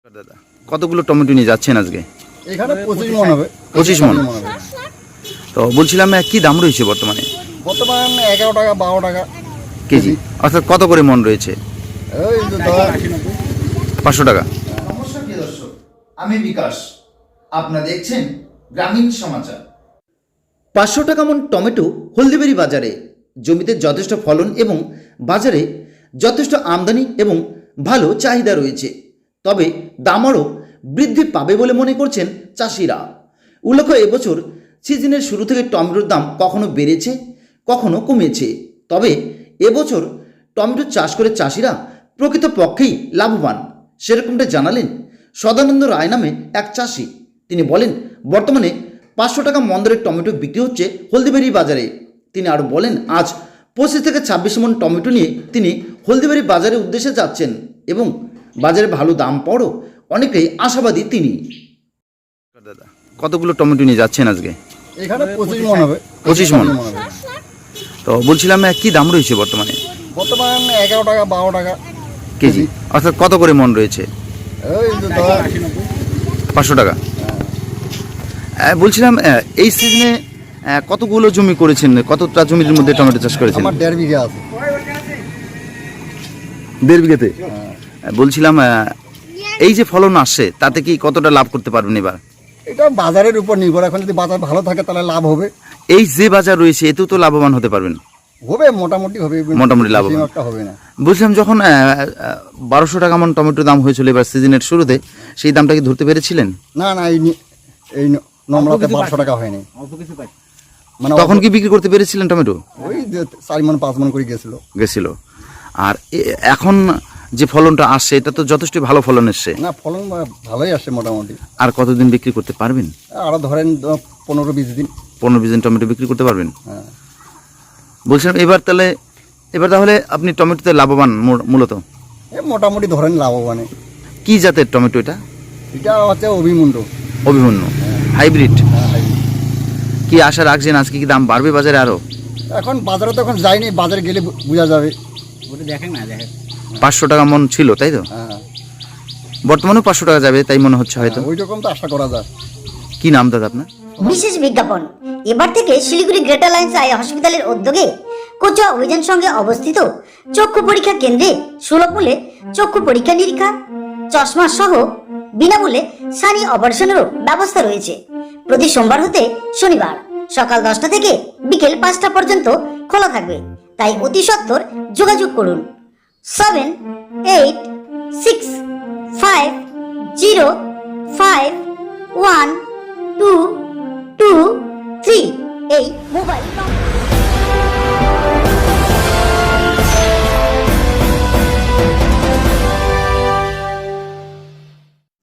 দাদা কতগুলো টমেটো নিয়ে যাচ্ছেন আজকে? এখানে 25 মণ হবে। 25 মণ। তো বলছিলাম কি দাম রয়েছে বর্তমানে? বর্তমান 11 টাকা 12 টাকা কেজি, অর্থাৎ কত করে মন রয়েছে? এই যে ধর 500 টাকা। নমস্কার প্রিয় দর্শক, আমি বিকাশ। আপনারা দেখছেন গ্রামীণ সমাচার। 500 টাকা মন টমেটো হলদিবাড়ি বাজারে। জমিতে যথেষ্ট ফলন এবং বাজারে যথেষ্ট আমদানি এবং ভালো চাহিদা রয়েছে। তবে দাম আরও বৃদ্ধি পাবে বলে মনে করছেন চাষিরা। উল্লেখ্য, এবছর সিজনের শুরু থেকে টমেটোর দাম কখনো বেড়েছে কখনো কমেছে। তবে এবছর টমেটো চাষ করে চাষিরা প্রকৃতপক্ষেই লাভবান, সেরকমটা জানালেন সদানন্দ রায় নামে এক চাষি। তিনি বলেন, বর্তমানে 500 টাকা মন দরে টমেটো বিক্রি হচ্ছে হলদিবাড়ি বাজারে। তিনি আরও বলেন, আজ 25 থেকে 26 মন টমেটো নিয়ে তিনি হলদিবাড়ি বাজারের উদ্দেশ্যে যাচ্ছেন এবং বাজারে ভালো দাম পাওয়ারও অনেকেই আশাবাদী তিনি। দাদা কতগুলো টমেটো নিয়ে যাচ্ছেন আজকে? এখানে 25 মণ হবে। 25 মণ। তো বলছিলাম কি দাম রয়েছে বর্তমানে? বর্তমান 11 টাকা 12 টাকা কেজি, অর্থাৎ কত করে মন রয়েছে? এই যে ধর 500 টাকা। বলছিলাম এই সিজনে কতগুলো জমি করেছেন, কতটা জমির মধ্যে টমেটো চাষ করেছেন? আমার 1.5 বিঘা আছে। 1.5 বিঘাতে। বলছিলাম এই যে ফলন আসছে তাতে কি কতটা লাভ করতে পারবেন এবার? এটা বাজারের উপর নির্ভর, এখন যদি বাজার ভালো থাকে তাহলে লাভ হবে। এই যে বাজার রয়েছে এতেও তো লাভবান হতে পারবেন? হবে, মোটামুটি হবে। মোটামুটি লাভবান। বেশি একটা হবে না। বলছিলাম যখন 1200 টাকা মন টমেটোর দাম হয়েছিল এবার সিজনের শুরুতে, সেই দামটা কি ধরতে পেরেছিলেন? না না, এই নম্বরতে 1200 টাকা হয়নি। মানে তখন কি বিক্রি করতে পেরেছিলেন টমেটো? ওই যে 4 মণ 5 মণ করে গেছিল। আর এখন যে ফলনটা আসছে এটা তো যথেষ্ট ভালো ফলন এসছে। না, ফলন ভালোই আসে মোটামুটি। আর কতদিন বিক্রি করতে পারবেন? আরো ধরেন 15-20 দিন। 15-20 দিন টমেটো বিক্রি করতে পারবেন। হ্যাঁ। বলছিলাম এবার তাহলে আপনি টমেটোতে লাভবান মূলত? মোটামুটি ধরেন লাভবান। কি জাতের টমেটো এটা? এটা হচ্ছে অভিমুন্ড। অভিমন্যু হাইব্রিড। কি আশা রাখছেন আজকে কি দাম বাড়বে বাজারে আরো? এখন বাজারে তো এখন যায়নি, বাজারে গেলে বোঝা যাবে। 500 টাকা মন ছিল তাই তো? হ্যাঁ, বর্তমানেও 500 টাকা যাবে তাই মনে হচ্ছে হয়তো। ওই রকম তো আশা করা যায়। কি নাম দাদা আপনার? বিশেষ বিজ্ঞাপন। এবার থেকে শিলিগুড়ি গ্রেটার লাইন্স আই হসপিটালের উদ্যোগে কোচা অভিযান সঙ্গে অবস্থিত চক্ষু পরীক্ষা কেন্দ্রে সুলভ মূল্যে চক্ষু পরীক্ষা নিরীক্ষা, চশমা সহ বিনামূল্যে সানি অপারেশনেরও ব্যবস্থা রয়েছে। প্রতি সোমবার হতে শনিবার সকাল 10টা থেকে বিকেল 5টা পর্যন্ত খোলা থাকবে। তাই অতি সত্বর যোগাযোগ করুন 7865051223 এই মোবাইল নম্বর।